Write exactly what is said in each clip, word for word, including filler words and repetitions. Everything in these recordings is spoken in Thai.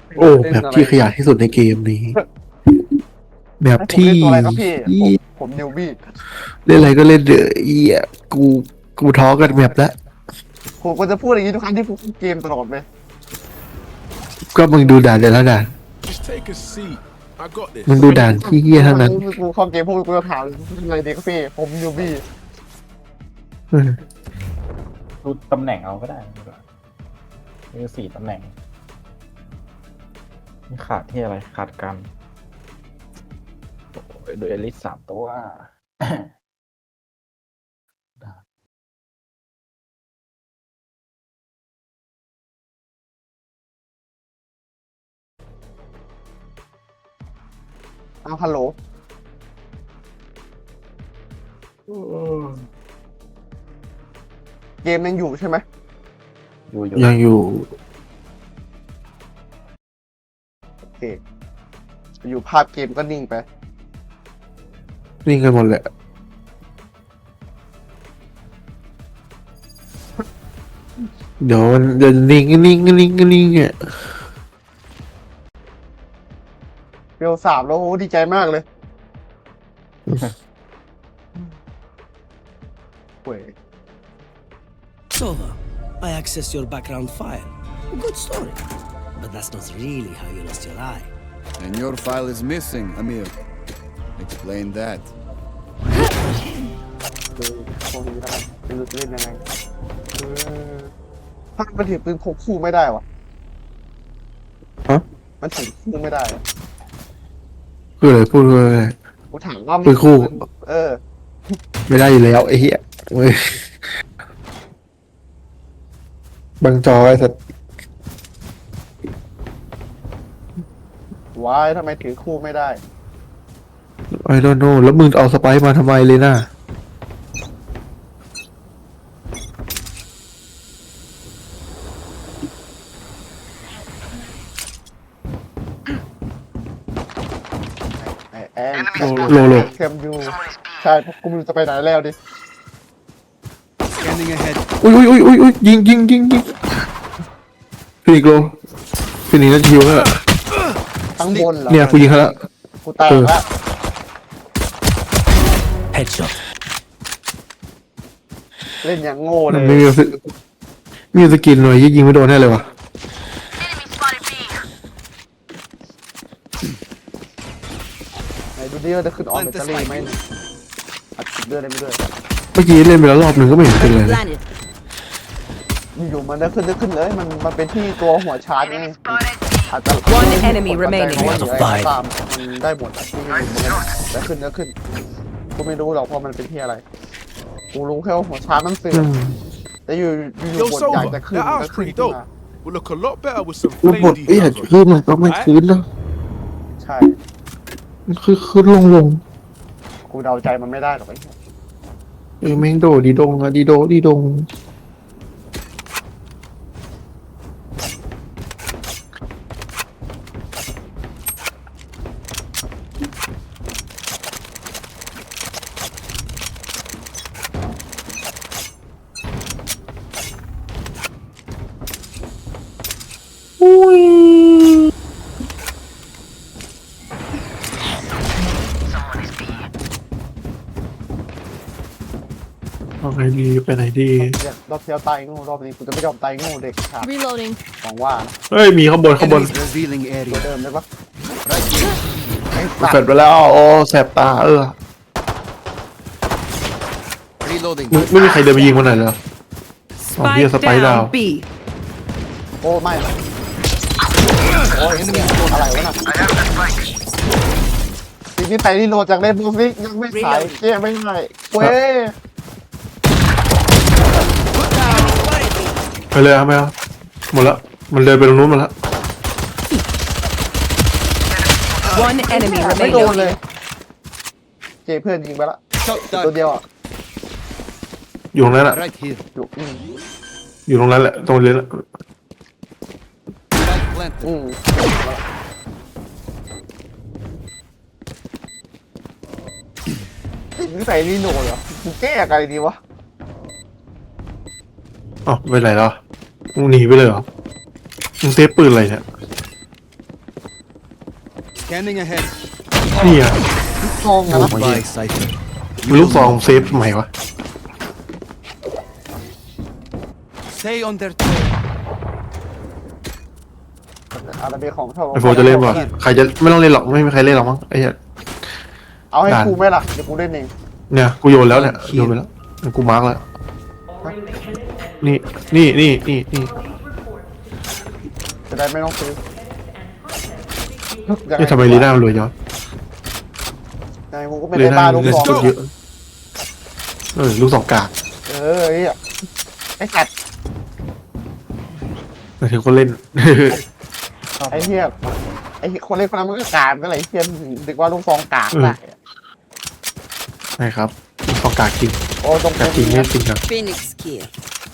โอ้เล่นอะไรแบบที่ขยะที่สุดในเกมนี้แบบให้ผมที่เล่นตัวอะไรครับพี่ผมผมนิวบี้เล่นอะไรก็เล่นเดอะเอียกูกูท้อกันแบบแล้วผมก็จะพูดอย่างนี้ทุกครั้งที่ผมเล่นเกมตลอดเลยก็มึงดูด่านเดี๋ยวแล้วด่าน Just take a seat. I got this. มึงดูด่านที่เฮี้ยทั้งนั้นกูเข้าเกมพวกกูจะถามอะไรดีครับพี่ผมนิวบี้เออดูตำแหน่งเอาก็ได้มีสี่ตำแหน่งนี่ขาดที่อะไรขาดกันโอ้ยโดยเอลิสสามตัวอ้าวฮัลโหลเกมยังอยู่ใช่ไหมอยู่อยู่ยังอยู่โอเคอยู่ภาพเกมก็นิ่งไปนิ่งกันหมดแหละเดี๋ยวมันจะนิ่งนิ่งนิ่งนิ่งอ่ะเบลสามแล้วโอ้ดีใจมากเลยเว้ย Sova, I accessed your background file. Good story. But that's not really how you lost your eye. And your file is missing, Amir. Explain that. คือพวกนี้ได้เป็นเล่นยังไงเออถ้ามันถือปืนพกคู่ไม่ได้วะฮะมันถือคู่ไม่ได้อะคืออะไรพูดว่าอะไรกูถามว่าปืนคู่เออไม่ได้อยู่แล้วไอ้เหี้ยเว้ยบังจอไอ้สัตว์วายทำไมถือคู่ไม่ได้ไอ้โดนโนแล้วมึงเอาสไปซ์มาทำไมเลยน่ะไอแอนโลโลเทมยูใช่เพราะกูไมันจะไปไหนแล้วดิ Scanning ahead. อุ้ยอุ้ยอุ้ยอุ้ยยิงยิงยิงยิงฟินิกโลฟินิกนั่นชิวแล้วข้างบนเหรอเนี่ยกูยิงเขาแล้วกูแตกแล้ว Headshot. เล่นอย่างโง่เลมันยไม่มีสกิมีสกินหน่อยยิงไม่โดนแน่เลยวะไหนดูดิว่าจะขึ้นออนแบตเตอรี่ไหมเนี่ยอัดติดเลือดได้ไม่ด้วยเมื่อกี้เล่นไปแล้วรอบหนึ่งก็ไม่เห็นเป็นเลย Planet. อยู่ๆมันได้ขึ้นได้ขึ้นเลยมันมันเป็นที่ตัวหัวชาร์จไงอาจจะ One enemy remaining เพราะว่าเหลืออะไรก็ตามมันได้หมดอะที่ไม่รู้เหมือนกันได้ขึ้นได้ขึ้นกูไม่รู้หรอกเพราะมันเป็นที่อะไรกูรู้แค่ว่าหัวชาร์จมันเสื่ออืมมแต่อยู่อยู่ Yo, บทอยาก Sova, จะขึ้น that ก็ house ขึ้น pretty ขึ้นมา dope. Will look a lot better with some แล้วบ flame ทไอ้อยาก details on. ขึ้นมันก็ไม่คืนแล้วใช่มันคือขึ้นลงลงกูเดาใจมันไม่ได้หรอกไอ้เหี้ยเออแม่งโดดีดงอะดีโดดีดงอุ้ยเอาไงดีไปไหนดีรอบเที่ยวตายงูรอบนี้กูจะไม่ยอมตายงูเด็กขาด Reloading. หวังว่านะเฮ้ยมีข้างบนข้างบน Enemies revealing ตัว area. เดิมได้ปะ Right here. ไอ้เสร็สัจตว์ไปแล้วโอ้แสบตาเออ Reloading. มึงไม่มีใครเดินไปยิงมันหน่อยเหรอ อ๋อเหี้ย Spike Spike down down B. โอ้ไม่โอ้ยอะไรวะน่ะทีนี้ไปรีโหลดจากเล่นบูฟิกยังไม่ขายเก้ไม่ได้เว้ยไปเลยครับไม่เอาหมดแล้วมันเดินไปตรงนู้นหมดแล้ว One enemy ไม่โดน remaining. เลยเจเพื่อนยิงไปละ Shot ตัว down. เดียวอ่ะอยู่ตรงนั้นแหละ Right here. อยู่อืมอยู่ตรงนั้นแหละตรงเรียนอะ Spike planted. อืมนี่ใส่รีโหลดเหรอกูแก้อะไรดีวะอ๋อไปไหนแล้วมึงหนีไปเลยเหรอมึงเซฟปืนอะไรเนี่ย Scanning ahead. นี่อ่ะทองนะ Bye, Cypher. มันลูกซองเซฟทำไมวะ Stay on their tail. อะไรเป็นของทองไอโฟจะเล่นวะใครจะไม่ต้องเล่นหรอกไม่มีใครเล่นหรอกมั้งไอ้เหี้ยเอาให้ด่านกูไหมล่ะเดี๋ยวกูเล่นเองเนี่ยกูโยนแล้วเนี่ยโยนไปแล้วกูมาร์กแล้วนี่นี่นี่นี่นี่จะได้ไม่ต้องซื้อนี่ทำไมลีน่ามันรวยจังวะไงกูก็ไม่ลีได้น่าบ้าลูกเงินทองสดเยอะเออลูกสองกากเออไอ้เหี้ยไอ้สัตว์หมายถึงคนเล่นไอ้เหี้ยไอ้คนเล่นคนนั้นมันก็กากก็เลยไอ้เหี้ยดึกว่าลูกทองกากได้ใช่ครับลูกสองกากจริงโอ้ตรงกากจริงไม่จริงครับ Phoenix here.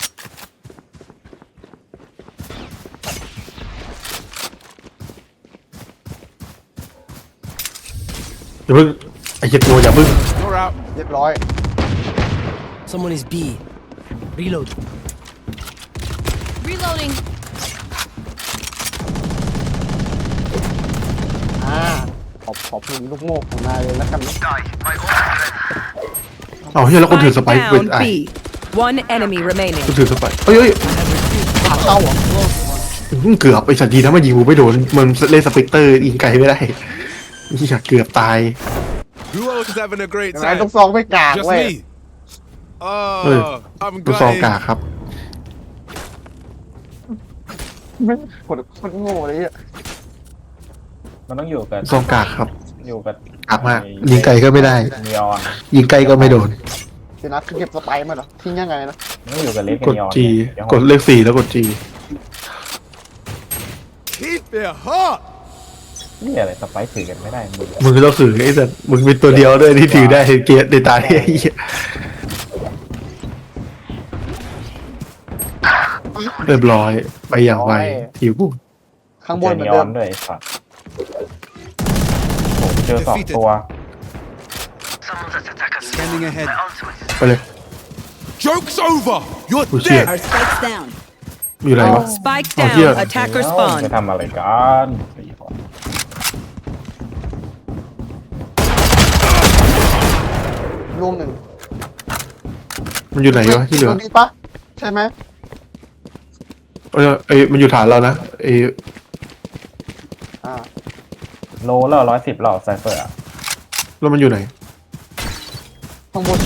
อย่าเพิ่งไอ้เหี้ยตัวอย่าเพิ่ง You're out. เรียบร้อย Someone is B. Reload. Reloading. อ่าขอบขอบคุณลูกโม่ของนายเลยแล้วกันนะเอาเฮ้ยแล้วคนถือส Spike ไปค์เป็น down ไอ้ B. One enemy remaining. คนถือสไปค์เฮ้ยเฮ้ยขาเข้าเหรออื้อเกือบไอ้สัตว์ดีนะมันยิงกูไม่โดนมันเล่นสเปกเตอร์ยิงไกลไม่ได้นี่เกือบตาย Who else is having a great ไอ้ลู time? กซองไม่กาก Just เว้ย me. Hey, Oh, I'm ลูกซอง gutted. กากครับไม่คนคนโง่เลยอ่ะมันต้องอยู่กับลูกซองกากครับอยู่กับกากมากยิงไกลก็ไม่ได้นีออนยิงไกลก็ไม่โดนเดี๋ยวนะคือเก็บสไปร์มาเหรอทิ้งยังไงนะมันต้องอยู่กับเลสกกับดนีออน G เดี๋ยวกดเลขสี่แล้วกด G Keep it hot. นี่อะไรสไปซ์ถือกันไม่ได้มือมึงก็ต้องถือไอ้สัตว์มึงเป็นตัวเดียวด้วยที่ถือได้เกียร์ในตาที่ไอ้เหี้ยเรียบร้อยไปอย่างไวทีกูข้างบเจนอเหมืนีอนอเดิอมนด้วยไอ้สัตว์ผมเจอสองตัว Scanning ahead. ไปเลย Joke's over. You're Oh, shit. dead. Our spikes down. มีอะไรวะ Spike Oh, down. here. Attacker จะ spawn. ทำอะไรกันสี่คนลูกหนึ่งมันอยู่ไหนวะที่เหลือตรงนี้ปะใช่ไหมเออไอมันอยู่ฐานเรานะไออ่าโลแล้วร้อยสิบหลอดไซเฟอร์อะแล้วมันอยู่ไหนข้างบน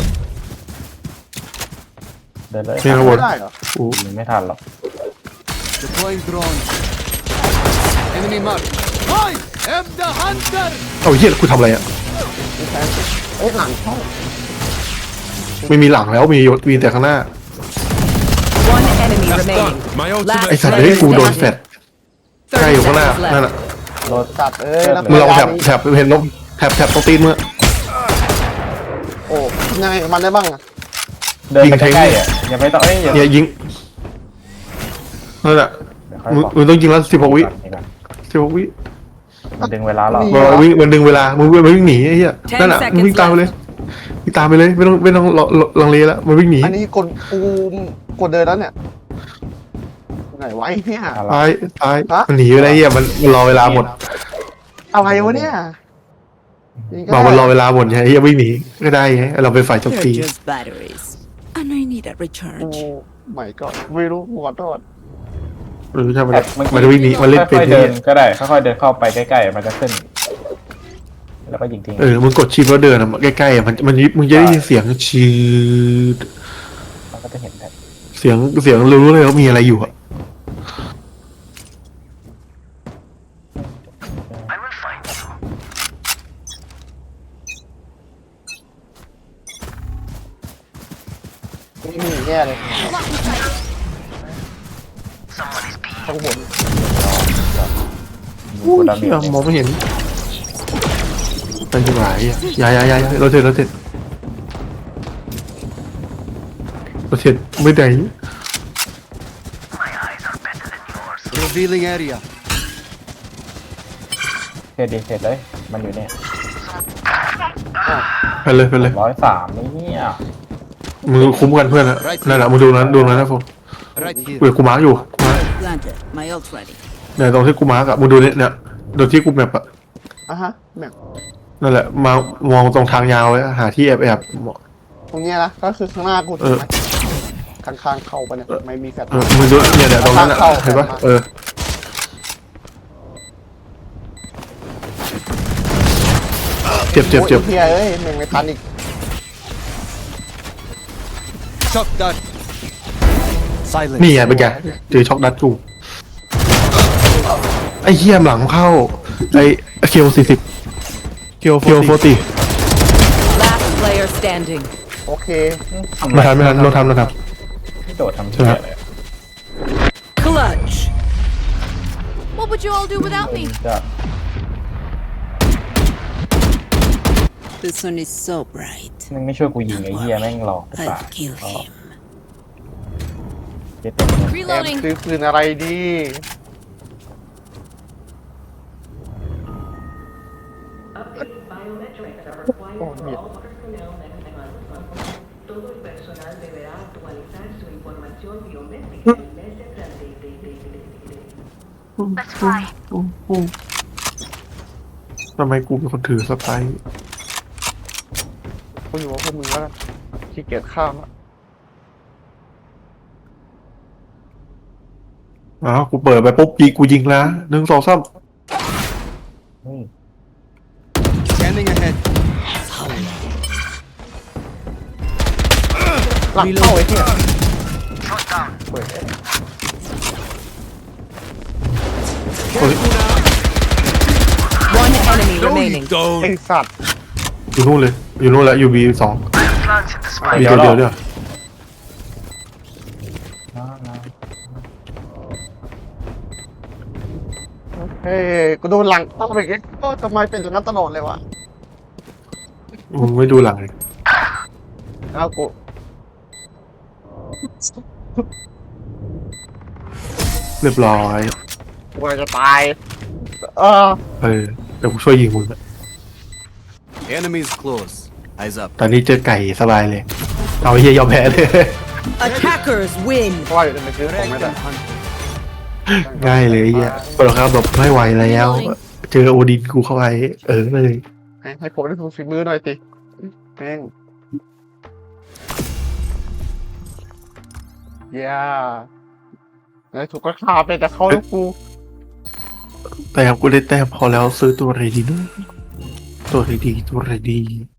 เดินเลยเนี่ยข้างบนไม่ได้เหรอโอ้ยิงไม่ทันหรอก Deploying drone. Enemy mark. I am the hunter. เอาเหี้ยกูทำอะไรอ่ะไม่ใช่เอ้ยหลังเข้าไม่มีหลังแล้วมียศมีแต่ข้างหน้า One enemy That's remaining. done. My ไอ ultimate. สัตว์เฮ้ยกูโดนแฟดใกล้อยู่ข้างหน้านั่นแหละโลสัตว์เอ้ยแล้วมึงลองแถบแถบเห็นลงแถบแถบตรงตีนมึงโอ้ยังไงกับมันได้บ้างอะเดินยิไปงเทใกงล้ๆอ่ะอย่าไปต่อเอ้ยอย่าเนี่ยยิงนั่นแหละเดี๋ยวค่อยมึงบอกมึงต้องยิงแล้วสิบหกวิก่อนนี่ก่อนสิบหกวิมันดึงเวลาเรามันวิ่งมันดึงเวลามึงวิ่งมันวิ่งหนีไอ้เหี้ยนั่นแหละมึงวิ่งตามไปเลยวิ่งตามไปเลยไม่ต้องไม่ต้องลังเลแล้วมันวิ่งหนีอันนี้กดกูกดเดินแล้วเนี่ยไหนไวะไอ้เนี่ยตายตายฮะมันหนีไปแล้วไอ้เหี้ยมันมันรอเวลาหมดอะไรวะเนี่ยยิงก็บอกมันรอได้เวลาหมดไงไอ้เหี้ยวิ่งหนีก็ได้ไงเราเป็นฝ่ายโจมตี They're just batteries. And I need a กู recharge. ไม่ก็ไม่รู้ขอโทษหรือใช่มันแบบเมื่อกี้มันจะวิ่งหนีมันเล่นเป็นค่อยๆไอ้เดิเหี้นยก็ได้ค่อยๆเดินเข้าไปใกล้ๆมันจะขึ้น แล้วก็ยิงทิ้งเออมึงกดชิปแล้วเดินอะใกล้ๆอะมันมันมึงจะได้ยินเสียงชืดมันก็จะเห็นแบบเสียงเสียงรู้เลยว่ามีอะไรอยู่อะไม่มีแย่เลยข้างบนอู้ยเหี้ยมองไม่เห็นเป็นจังหวะอ่ะย้ายย้ายย้ายเราเสร็จเราเสร็จเราเสร็จไม่ได้ Revealing area. เสร็จดีเสร็จเลย มันอยู่เนี่ยไปเลยไปเลยร้อยสามนี่เนี่ยมึงคุ้มกันเพื่อนอะนั่นแหละมึงดูนั้นดูนั้นนะผม Right here. เว้ยกูมาร์กอยู่กูมาร์ค Planted. My ult ready. เนี่ยตรงที่กูมาร์กอะมึงดูเนี่ยเนี่ยโดนที่กูแมปอะอ่ะฮะแบบนั่นแหละมามองตรงทางยาวไว้หาที่แอบแอบๆตรงเนี้ยนะก็คือข้างหน้ากูเอถูกอไหมข้างๆเข้าไปเนี่ยไม่มีแฟลชเออมึงดูเนี่ยเนี่ยตรงนั้นอ่ะเห็นปะเออเจ็บเจ็บเจ็บโอ้ยเฮียเอ้ยแม่งไม่ทันอีก Shot that. Silence. นี่ไงเป็นไงเจอช็อกดัดกูไอ้เหี้ยหลังเข้าไอ้เคียวสี่สิบเคียวเคียวโฟตี Last player standing. โอเคไม่ทันไม่ทันเราทำเราทไม่โดดทำใช่เชี่ไหมยเลย Clutch. What would you all do without me? จะ The sun is so bright. มึงไม่ช่วยกูยิงไอ้เหี้ยแม่งหลอกตาย I'll kill him. เจ็บเต็มเลยแอม Reloading. ซื้อปืนอะไรดีโอ้เหี้ยทำไมกูเป็นคนถือสไปร์กูอยู่กับพวกมึงแล้วกันขี้เกียจข้ามละอ้าวกูเปิดไปปุ๊บยิงกูยิงแล้วหนึ่งสองสามเฮ้ย Scanning ahead. หลังเข้าไอ้เหี้ยเว้ย One enemy No, you remaining. ไอ้ don't. สัตว์อยู่นู่นเลยอยู่นู่นแล้วอยู่บีสองบีตัวเดียวเนี่ยน้าน้าเฮ้ยกูโดนหลังเข้าไปอีกก็ทำไมเป็นอย่างนั้นตลอดเลยวะมึงไม่ดูหลังเลยแล้วกูเรียบร้อยกูจะตายเออเออเดี๋ยวกูช่วยยิงมึงนะ Enemies close. Eyes up. ตอนนี้เจอไก่สบายเลยเอาไอ้เหี้ยยอมแพ้เลย Attackers win. เพราะว่าอยู่ในซื้อของไม่ได้ง่ายเลยไอ้เหี้ยปรครับแบบไม่ไหวแล้ว เจอโอดินกูเข้าไปเออเลยให้ให้ผมได้ดูฝีมือหน่อยสิแม่งย่าไอ้ถูกก็ขาไปแต่เขาแล้วกูแต่กูได้แต้มพอแล้วซื้อตัวอะไรดีเนอะตัวอะไรดีตัวอะไรดี